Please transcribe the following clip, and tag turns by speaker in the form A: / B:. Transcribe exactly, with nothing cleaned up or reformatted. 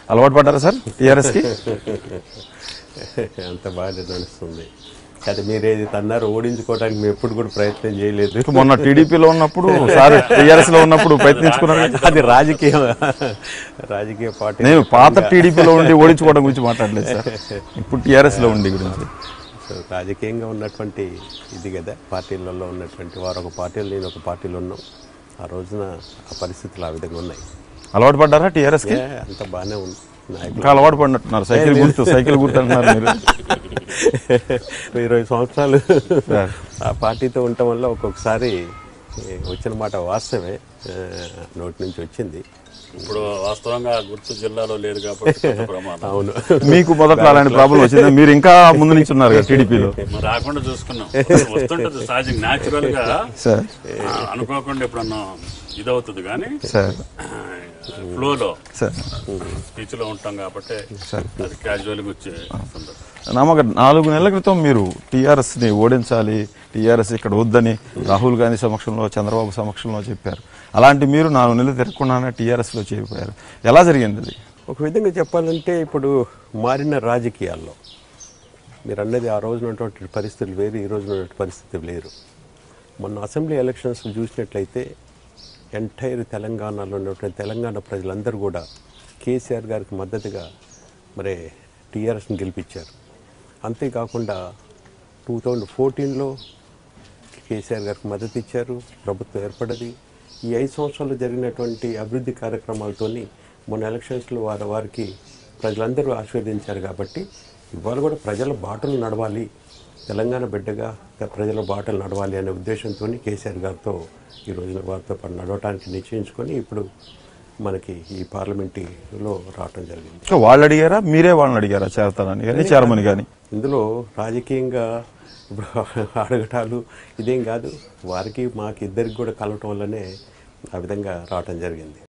A: అలవాటు పడ్డారా సార్ టీఆర్ఎస్కి?
B: అంత బాగా నడుస్తుంది. అది మీరేది అన్నారు, ఓడించుకోవడానికి మేము ఎప్పుడు కూడా ప్రయత్నం చేయలేదు.
A: మొన్న టీడీపీలో ఉన్నప్పుడు సార్ టీఆర్ఎస్ లో ఉన్నప్పుడు ప్రయత్నించుకున్నారు.
B: అది రాజకీయ రాజకీయ పార్టీ.
A: నేను పాత టీడీపీలో ఉండి ఓడించుకోవడం గురించి మాట్లాడలేదు సార్, ఇప్పుడు టీఆర్ఎస్ లో ఉండి గురించి.
B: సో రాజకీయంగా ఉన్నటువంటి ఇది కదా, పార్టీలలో ఉన్నటువంటి వారు ఒక పార్టీలో నేను ఒక పార్టీలో ఉన్నాం. ఆ రోజున ఆ పరిస్థితులు ఆ విధంగా ఉన్నాయి.
A: అలవాటు పడ్డారా టీఆర్ఎస్కి?
B: అంత బాగానే ఉంది.
A: ఇంకా అలవాటు పడినట్టున్నారు. సైకిల్ గుర్తు సైకిల్ గుర్తు అంటున్నారు మీరు.
B: ఇరవై సంవత్సరాలు ఆ పార్టీతో ఉండటం వల్ల ఒక్కొక్కసారి వచ్చిన మాట వాస్తవమే, నోటి నుంచి వచ్చింది.
C: ఇప్పుడు వాస్తవంగా గుర్తు జిల్లాలో లేదు కాబట్టి ప్రమాదం.
B: అవును,
A: మీకు మొదట్లో అలాంటి ప్రాబ్లం వచ్చింది, మీరు ఇంకా ముందు నుంచి ఉన్నారు కదా టీడీపీలో.
C: రాకుండా చూసుకున్నాం, వస్తుంటది సహజంగా న్యాచురల్ గా. అనుకోకుండా ఎప్పుడన్నా ఇదవుతుంది కానీ ఫ్లోలో స్పీచ్ లో ఉంటాం కాబట్టి అది క్యాజువల్ గా వచ్చే సందర్భం.
A: నమ్మక నాలుగు నెలల క్రితం మీరు టీఆర్ఎస్ ని ఓడించాలి, టీఆర్ఎస్ ఇక్కడ వద్దని రాహుల్ గాంధీ సమక్షంలో చంద్రబాబు సమక్షంలో చెప్పారు. అలాంటి మీరు నాలుగు నెలలు తిరగకుండానే టీఆర్ఎస్ లో చేరిపోయారు. ఎలా జరిగింది అది?
B: ఒక విధంగా చెప్పాలంటే ఇప్పుడు మారిన రాజకీయాల్లో మీరు అన్నది ఆ రోజున ఉన్నటువంటి పరిస్థితులు వేరు, ఈ రోజున ఉన్నటువంటి పరిస్థితులు లేరు. మొన్న అసెంబ్లీ ఎలక్షన్స్ చూసినట్లయితే ఎంటైర్ తెలంగాణలో ఉన్నటువంటి తెలంగాణ ప్రజలందరూ కూడా కేసీఆర్ గారికి మద్దతుగా మరి టీఆర్ఎస్ని గెలిపించారు. అంతేకాకుండా టూ థౌజండ్ ఫోర్టీన్లో కేసీఆర్ గారికి మద్దతు ఇచ్చారు, ప్రభుత్వం ఏర్పడ్డది. ఈ ఐదు సంవత్సరాలు జరిగినటువంటి అభివృద్ధి కార్యక్రమాలతోని మొన్న ఎలక్షన్స్లో వారి వారికి ప్రజలందరూ ఆశీర్వదించారు. కాబట్టి ఇవాళ కూడా ప్రజల బాటలు నడవాలి, తెలంగాణ బిడ్డగా ప్రజల బాటలు నడవాలి అనే ఉద్దేశంతో కేసీఆర్ గారితో ఈ రోజున వారితో పాటు నడవటానికి నిశ్చయించుకొని ఇప్పుడు మనకి ఈ పార్లమెంటులో రావటం జరిగింది.
A: వాళ్ళు అడిగారా, మీరే వాళ్ళని అడిగారా చేరతారని కానీ చేరమని కానీ?
B: ఇందులో రాజకీయంగా ఇప్పుడు అడగటాలు ఇదేం కాదు, వారికి మాకు ఇద్దరికి కూడా కలవటం వల్లనే ఆ విధంగా రావటం జరిగింది.